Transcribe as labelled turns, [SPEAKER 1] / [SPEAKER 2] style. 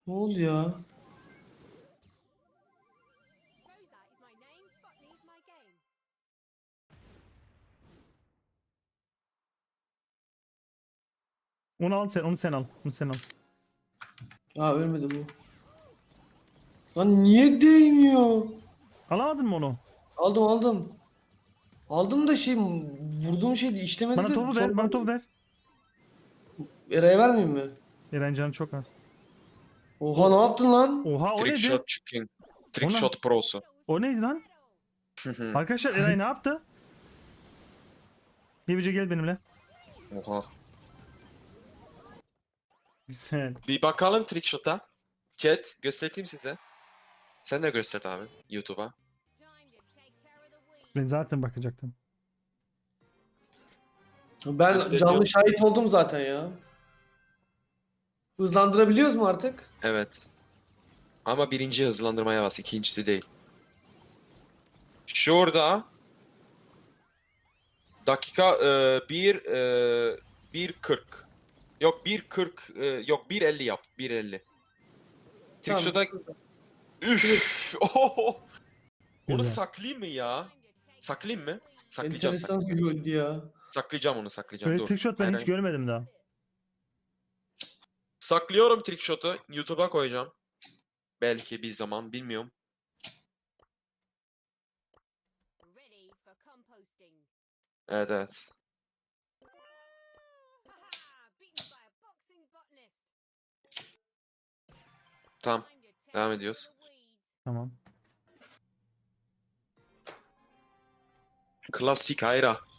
[SPEAKER 1] Ne oldu ya?
[SPEAKER 2] Onu al sen, onu sen al. Onu sen al.
[SPEAKER 1] Aa ölmedi bu. Lan niye değmiyor?
[SPEAKER 2] Alamadın mı onu?
[SPEAKER 1] Aldım. Aldım da şey vurduğum şey de işlemedi
[SPEAKER 2] Bana
[SPEAKER 1] de
[SPEAKER 2] topu ver,
[SPEAKER 1] sonra
[SPEAKER 2] bana topu ver.
[SPEAKER 1] Eray'a vermeyeyim mi?
[SPEAKER 2] Eren canı çok az.
[SPEAKER 1] Oha ne yaptın lan?
[SPEAKER 2] Oha o
[SPEAKER 3] Trick
[SPEAKER 2] neydi?
[SPEAKER 3] shot chicken.
[SPEAKER 2] O
[SPEAKER 3] Trick
[SPEAKER 2] ne?
[SPEAKER 3] shot prosu.
[SPEAKER 2] O neydi lan? Arkadaşlar Eray ne yaptı? Gebice gel benimle.
[SPEAKER 3] Oha.
[SPEAKER 2] Güzel.
[SPEAKER 3] Bir bakalım trick shot'a. Chat göstereyim size. Sen de göster abi YouTube'a.
[SPEAKER 2] Ben zaten bakacaktım.
[SPEAKER 1] Ben
[SPEAKER 3] Gösteriyor.
[SPEAKER 1] canlı şahit oldum zaten ya. Hızlandırabiliyoruz mu artık?
[SPEAKER 3] Evet. Ama birinci hızlandırmaya bas, ikincisi değil. Şurada dakika 1:40. Yok 1:40 yok 1:50 yap. 1:50. Trick
[SPEAKER 1] Tamam.
[SPEAKER 3] shot'a üf. Oho. Onu
[SPEAKER 2] Güzel.
[SPEAKER 3] saklayayım mı ya? Saklayayım mı? Saklayacağım.
[SPEAKER 1] Enteresan bir goldü ya.
[SPEAKER 3] Saklayacağım onu saklayacağım.
[SPEAKER 2] Böyle
[SPEAKER 3] Dur.
[SPEAKER 2] trick shot ben
[SPEAKER 3] Hayır,
[SPEAKER 2] hiç
[SPEAKER 3] hayır.
[SPEAKER 2] görmedim daha.
[SPEAKER 3] Saklıyorum trick shot'u. YouTube'a koyacağım. Belki bir zaman bilmiyorum. Evet evet. Tamam. Devam ediyoruz.
[SPEAKER 2] Tamam.
[SPEAKER 3] Klasik Hayra.